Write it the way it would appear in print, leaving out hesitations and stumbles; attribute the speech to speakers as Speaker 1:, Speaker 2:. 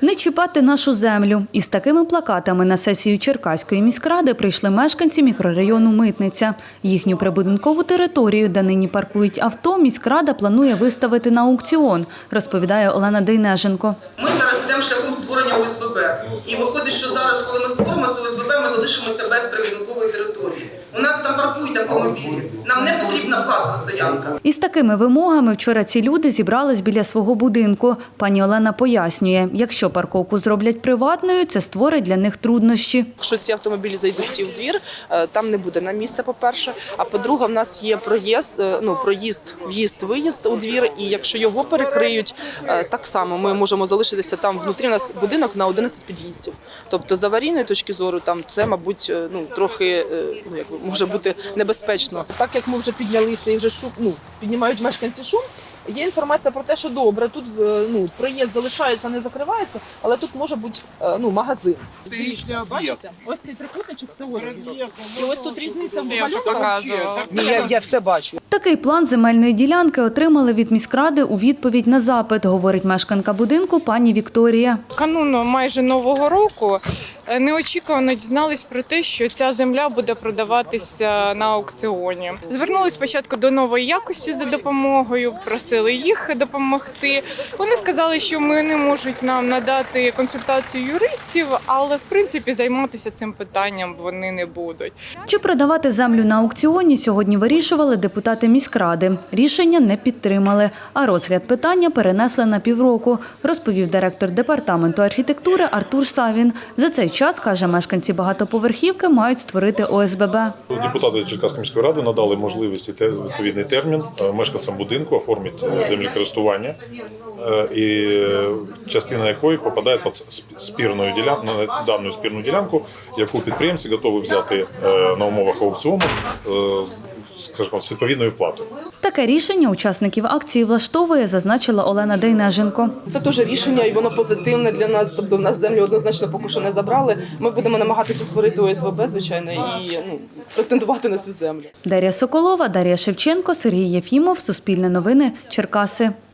Speaker 1: Не чіпати нашу землю. Із такими плакатами на сесію Черкаської міськради прийшли мешканці мікрорайону Митниця. Їхню прибудинкову територію, де нині паркують авто, міськрада планує виставити на аукціон, розповідає Олена Дейнеженко.
Speaker 2: Ми зараз йдемо шляхом створення ОСББ. І виходить, що зараз, коли ми створимо це ОСББ, ми залишимося без прибудинкової території. У нас там паркують автомобілі. Нам не потрібна платна стоянка.
Speaker 1: Із такими вимогами вчора ці люди зібрались біля свого будинку. Пані Олена пояснює, якщо парковку зроблять приватною, це створить для них труднощі.
Speaker 3: Якщо ці автомобілі зайдуть всі в двір, там не буде на місце, по-перше. А по-друге, в нас є проїзд, в'їзд-виїзд у двір. І якщо його перекриють, так само ми можемо залишитися там внутрі. У нас будинок на 11 під'їздів. Тобто з аварійної точки зору там це, мабуть, трохи може бути небезпечно. Так як ми вже піднялися і вже піднімають мешканці шум, є інформація про те, що добре, тут проїзд залишається, не закривається, але тут може бути магазин. Бачите? Ось цей трикутничок – це ось він. І ось тут різниця в малюнках.
Speaker 4: Я все бачу.
Speaker 1: Такий план земельної ділянки отримали від міськради у відповідь на запит, говорить мешканка будинку пані Вікторія.
Speaker 5: Кануну майже Нового року неочікувано дізнались про те, що ця земля буде продаватися на аукціоні. Звернулись спочатку до Нової якості за допомогою, просили їх допомогти. Вони сказали, що вони не можуть нам надати консультацію юристів, але в принципі займатися цим питанням вони не будуть.
Speaker 1: Чи продавати землю на аукціоні сьогодні вирішували депутати міськради. Рішення не підтримали, а розгляд питання перенесли на півроку, розповів директор департаменту архітектури Артур Савін. За цей час, каже, мешканці багатоповерхівки мають створити ОСББ.
Speaker 6: Депутати Черкаської міської ради надали можливість і відповідний термін мешканцям будинку оформити землекористування, і частина якої попадає під дану спірну ділянку, яку підприємці готові взяти на умовах аукціону з відповідною платою.
Speaker 1: Таке рішення учасників акції влаштовує, зазначила Олена Дейнеженко.
Speaker 3: Це теж рішення, і воно позитивне для нас. Тобто в нас землю однозначно поки що не забрали. Ми будемо намагатися створити ОСББ, звичайно, і претендувати на цю землю.
Speaker 1: Дар'я Соколова, Дар'я Шевченко, Сергій Єфімов, Суспільне новини, Черкаси.